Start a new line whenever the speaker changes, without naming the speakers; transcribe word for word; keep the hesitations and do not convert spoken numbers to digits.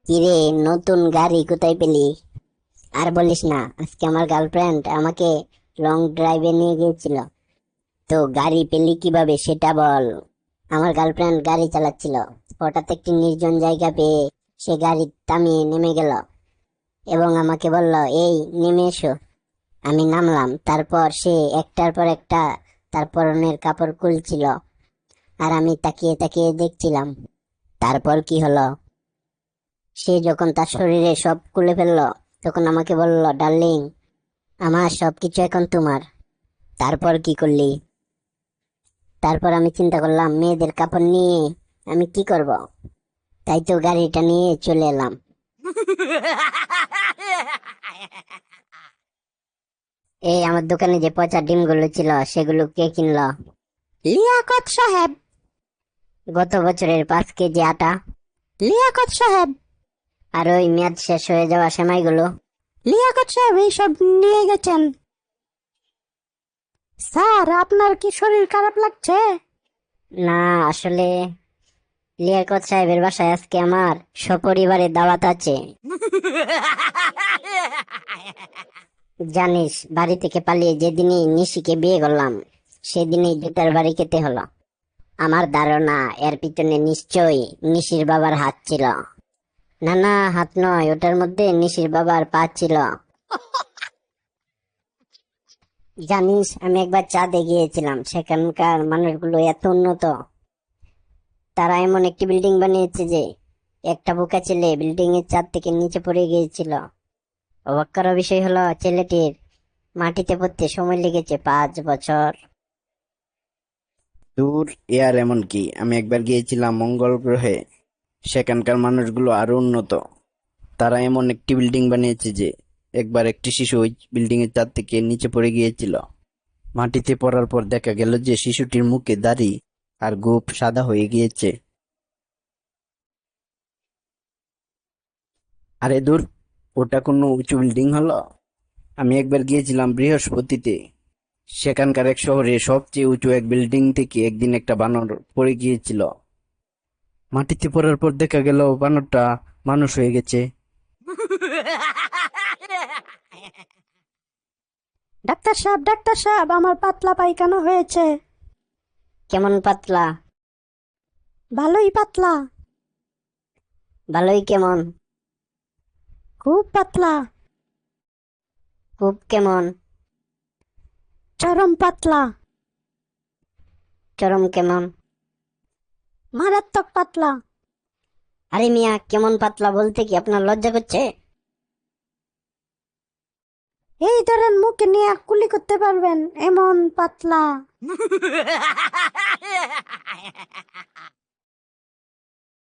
কিরে, নতুন গাড়ি কোথায় পেলি? আর বলিস না, আজকে আমার গার্লফ্রেন্ড আমাকে লং ড্রাইভে নিয়ে গিয়েছিল। তো গাড়ি পেলি কিভাবে সেটা বল। আমার গার্লফ্রেন্ড গাড়ি চালাচ্ছিল, হঠাৎ একটি নির্জন জায়গা পেয়ে সে গাড়ি থামিয়ে নেমে গেল এবং আমাকে বলল, এই নেমে এসো। আমি নামলাম। তারপর সে একটার পর একটা তার পরনের কাপড় খুলছিল, আর আমি তাকিয়ে তাকিয়ে দেখছিলাম। তারপর কি হলো? সে যখন তার শরীরে সব খুলে ফেললো, তখন আমাকে বলল, ডার্লিং, আমার সবকিছু এখন তোমার। তারপর কি করলি? তারপর আমি চিন্তা করলাম, মেয়েদের কাপড় নিয়ে আমি কি করব। তাই তো গাড়িটা নিয়ে চলে এলাম। এই আমার দোকানে যে পচা ডিমগুলো ছিল সেগুলো কে কিনলো?
লিয়াকত সাহেব।
গত বছরের পাঁচ কেজি আটা।
লিয়াকত সাহেব।
আর ওই মেয়াদ শেষ হয়ে যাওয়া সেমাইগুলো?
লিয়াকত সাহেব এইসব নিয়ে গেছেন। স্যার, আপনার কি শরীর খারাপ লাগছে?
না, আসলে লিয়াকত সাহেবের বাসায় আজকে আমার সপরিবারে দাওয়াত আছে। জানিস, বাড়ি থেকে পালিয়ে যেদিনই নিশিকে বিয়ে করলাম, সেদিনই জুতার বাড়ি খেতে হলো। আমার ধারণা এর পিছনে নিশ্চয়ই নিশির বাবার হাত ছিল। না না, হাত নয়, ওটার মধ্যে নিশির বাবার পা ছিল। জানিস, আমি একবার চাঁদে গিয়েছিলাম, সেখানকার মানুষগুলো এত উন্নত। তারা এমন একটি বিল্ডিং বানিয়েছে যে একটা বোকা ছেলে বিল্ডিং এর ছাদ থেকে নিচে পড়ে গিয়েছিল। অবাক করার বিষয় হলো, ছেলেটির মাটিতে পড়তে সময় লেগেছে পাঁচ বছর।
দূর, এয়ার এমন কি, আমি একবার গিয়েছিলাম মঙ্গল গ্রহে। সেখানকার মানুষগুলো আরো উন্নত। তারা এমন একটি বিল্ডিং বানিয়েছে যে একবার একটি শিশু ওই বিল্ডিং এর ছাদ থেকে নিচে পড়ে গিয়েছিল। মাটিতে পড়ার পর দেখা গেল যে শিশুটির মুখে দাড়ি আর গোঁফ সাদা হয়ে গিয়েছে। আরে দূর, ওটা কোনো উঁচু বিল্ডিং হলো? আমি একবার গিয়েছিলাম বৃহস্পতিতে। সেখানকার এক শহরে সবচেয়ে উঁচু এক বিল্ডিং থেকে একদিন একটা বানর পড়ে গিয়েছিল। মাটিতে পড়ার পর দেখা গেল বানরটা মানুষ হয়ে গেছে।
ডাক্তার সাহেব, ডাক্তার সাহেব, আমার পাতলা পায়খানা হয়েছে।
কেমন পাতলা?
ভালোই পাতলা।
ভালোই কেমন?
খুব পাতলা।
খুব কেমন?
চরম পাতলা।
চরম কেমন?
মারাত্মক পাতলা।
আরে মিয়া, কেমন পাতলা বলতে কি আপনার লজ্জা করছে?
এই ধরেন, মুখে নিয়ে কুলি করতে পারবেন এমন পাতলা।